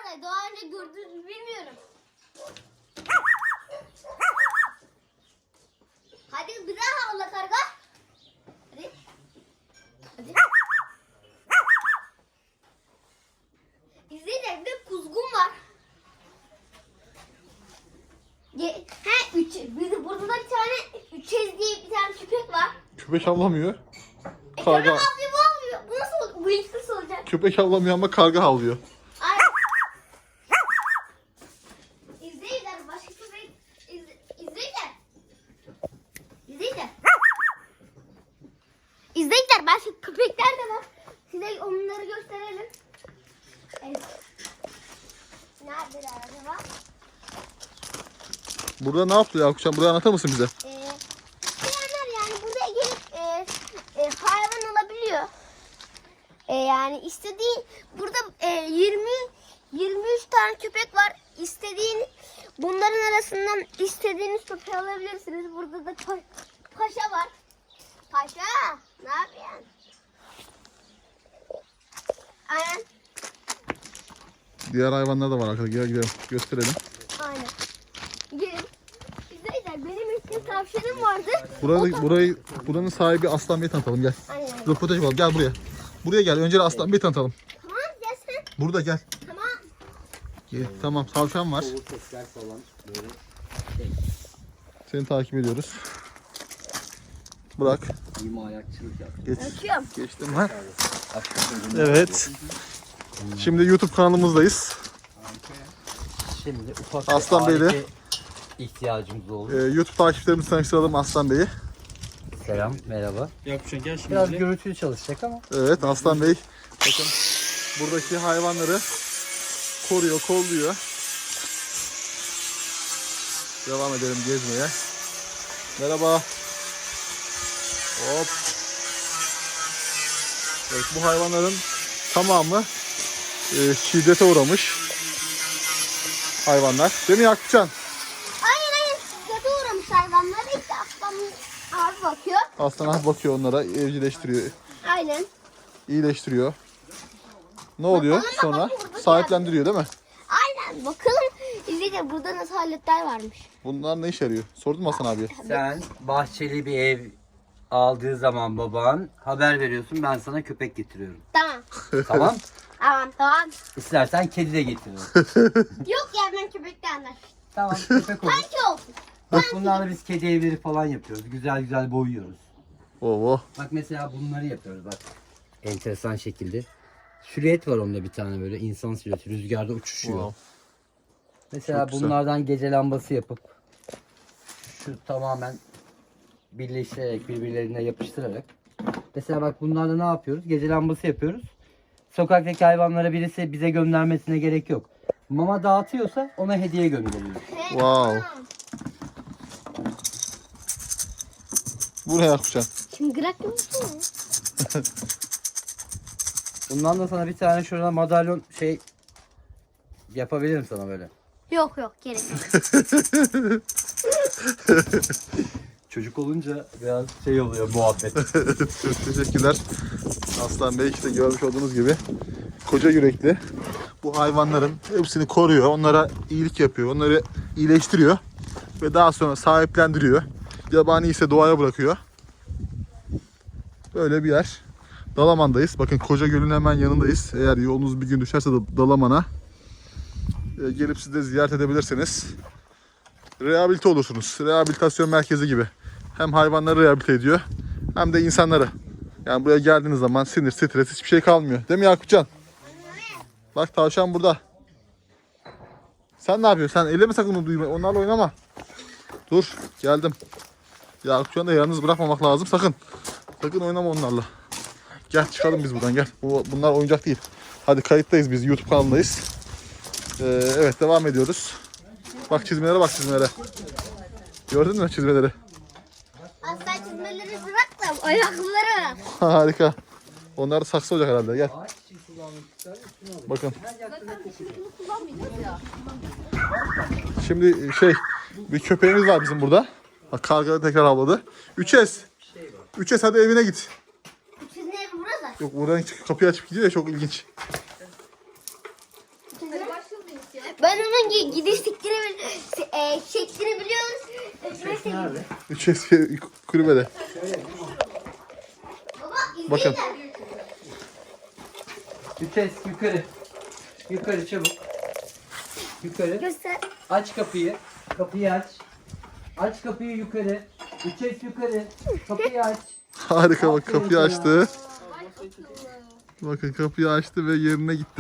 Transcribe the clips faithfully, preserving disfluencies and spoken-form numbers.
vallahi daha önce gördünüz bilmiyorum. Hadi bir daha havla karga. Hadi. Hadi. İzleyin, bir de kuzgun var. Ge He üç. Bir de burada da bir tane üçez diye bir tane köpek var. Köpek avlamıyor. E, Karga. köpek avlıyor, bu avlıyor. Bu nasıl olur? Bu ilk nasıl olacak? Köpek avlamıyor ama karga havlıyor. Aynen. İzleyiciler başka köpek izle, izleyiciler. İzleyiciler. İzleyiciler başka köpekler de var. Size onları gösterelim. Evet. Neredeler acaba? Burada ne yaptı Yakupcan? Burayı anlatır mısın bize? Ee, isteyenler yani buraya gelip e, e, hayvan alabiliyor. E, yani istediğin burada e, yirmi yirmi üç tane köpek var. İstediğin bunların arasından istediğiniz köpeği alabilirsiniz. Burada da pa- paşa var. Paşa, ne yapıyorsun? Aynen. Diğer hayvanlar da var arkadaşlar. Gel gidelim. Gösterelim. Aynen. Gelin. İzleyiciler benim için tavşanım vardı. Burayı, burayı, buranın sahibi Aslan Bey'i tanıtalım gel. Aynen. Röportaj yapalım. Gel buraya. Buraya gel. Önce Aslan Bey'i tanıtalım. Tamam gel sen. Burada gel. Tamam. Gel. Tamam. Tavşan var. Soğuk sesler falan böyle. Seni takip ediyoruz. Bırak. İma ayakçılık yap. Geç. Açıyorum. Geçtim ha. Aşkım. Evet. Şimdi YouTube kanalımızdayız. Şimdi ufak Aslan bir Bey'le. alete ihtiyacımız oldu. Ee, YouTube takipçilerimizi tanıştıralım Aslan Bey'i. Selam, merhaba. Yakupcan gel şimdi. Biraz bize. gürültülü çalışacak ama. Evet Aslan Bey. Bakın buradaki hayvanları koruyor, kolluyor. Devam edelim gezmeye. Merhaba. Hop. Evet bu hayvanların tamamı e, şiddete uğramış hayvanlar. Değil mi Yakupcan? Aynen aynen. Şiddete uğramış hayvanlar. İşte aslan abi bakıyor. Aslan abi bakıyor onlara, evcilleştiriyor, Aynen. iyileştiriyor. Ne oluyor Bakalım, sonra? bakalım burada Sahiplendiriyor değil mi? Aynen. Bakalım. İzleyiciler burada nasıl aletler varmış. Bunlar ne işe yarıyor? Sordun mu Hasan abiye? Sen bahçeli bir ev aldığı zaman baban haber veriyorsun, ben sana köpek getiriyorum. Tamam. Tamam? Tamam tamam. İstersen kedi de getiririm. Yok ya ben köpekten de. Tamam, köpek olur. Sanki olsun. Bak bunlarla biz kedi evleri falan yapıyoruz. Güzel güzel boyuyoruz. Oo. Bak mesela bunları yapıyoruz bak. Enteresan şekilde. Silüet var onda bir tane böyle insan silüeti rüzgarda uçuşuyor. Wow. Mesela Çok güzel. bunlardan gece lambası yapıp şu tamamen birleştirerek birbirlerine yapıştırarak. Mesela bak bunlarla ne yapıyoruz? Gece lambası yapıyoruz. Sokaktaki hayvanlara birisi bize göndermesine gerek yok. Mama dağıtıyorsa ona hediye gönderiyor. Wow. Buraya Yakupcan. Çıngırak mısın? Bundan da sana bir tane şurada madalyon şey yapabilirim sana böyle. Yok yok gerek yok. Çocuk olunca biraz şey oluyor muhabbet. Çok teşekkürler. Aslan Bey işte görmüş olduğunuz gibi koca yürekli. Bu hayvanların hepsini koruyor. Onlara iyilik yapıyor. Onları iyileştiriyor. Ve daha sonra sahiplendiriyor. Yabani ise doğaya bırakıyor. Böyle bir yer. Dalaman'dayız. Bakın Koca Göl'ün hemen yanındayız. Eğer yolunuz bir gün düşerse de Dalaman'a e, gelip siz de ziyaret edebilirsiniz. Rehabilite olursunuz. Rehabilitasyon merkezi gibi. Hem hayvanları rehabilite ediyor hem de insanları. Yani buraya geldiğiniz zaman sinir, stres hiçbir şey kalmıyor. Değil mi Yakupcan? Bak tavşan burada. Sen ne yapıyorsun? Sen eleme sakın onu duyma. Onlarla oynama. Dur geldim. Yakupcan'ı da yalnız bırakmamak lazım sakın. Sakın oynama onlarla. Gel çıkalım biz buradan gel. Bu, bunlar oyuncak değil. Hadi kayıttayız biz. YouTube kanalındayız. Ee, evet devam ediyoruz. Bak çizmelere bak çizmelere. Gördün mü çizmeleri? Aslan çizmeleri bırak da ayakları. Harika. Onlar da saksı olacak herhalde. Gel. Bakın. Şimdi şey bir köpeğimiz var bizim burada. Bak karga tekrar havladı. Üçes. Üçes hadi evine git. Sizin evi burası. Yok buradan kapıyı açıp gidiyor ya çok ilginç. Hadi başlayalım. gidiş şeklini, e, şeklini biliyoruz. E, mesela- Nerede? Üç eski kulübede. Baba Bakın. izleyin. Vites yukarı. Yukarı çabuk. Yukarı. Göster. Aç kapıyı. Kapıyı aç. Aç kapıyı yukarı. Vites yukarı. Kapıyı aç. Harika bak Aferin kapıyı sana. açtı. Bakın kapıyı açtı ve yerine gitti.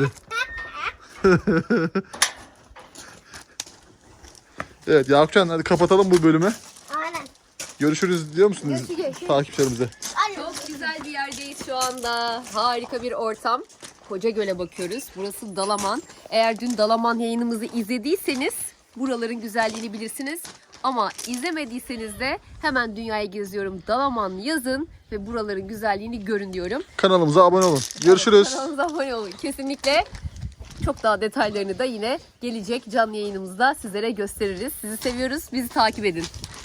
Evet Yakupcan hadi kapatalım bu bölümü. Aynen. Görüşürüz diyor musunuz Görüşürüz. takipçilerimize? Aynen. Çok güzel bir yerdeyiz şu anda. Harika bir ortam. Kocagöl'e bakıyoruz. Burası Dalaman. Eğer dün Dalaman yayınımızı izlediyseniz buraların güzelliğini bilirsiniz. Ama izlemediyseniz de hemen dünyaya geziyorum Dalaman yazın ve buraların güzelliğini görün diyorum. Kanalımıza abone olun. Görüşürüz. Kanalımıza abone olun. Kesinlikle çok daha detaylarını da yine gelecek canlı yayınımızda sizlere gösteririz. Sizi seviyoruz. Bizi takip edin.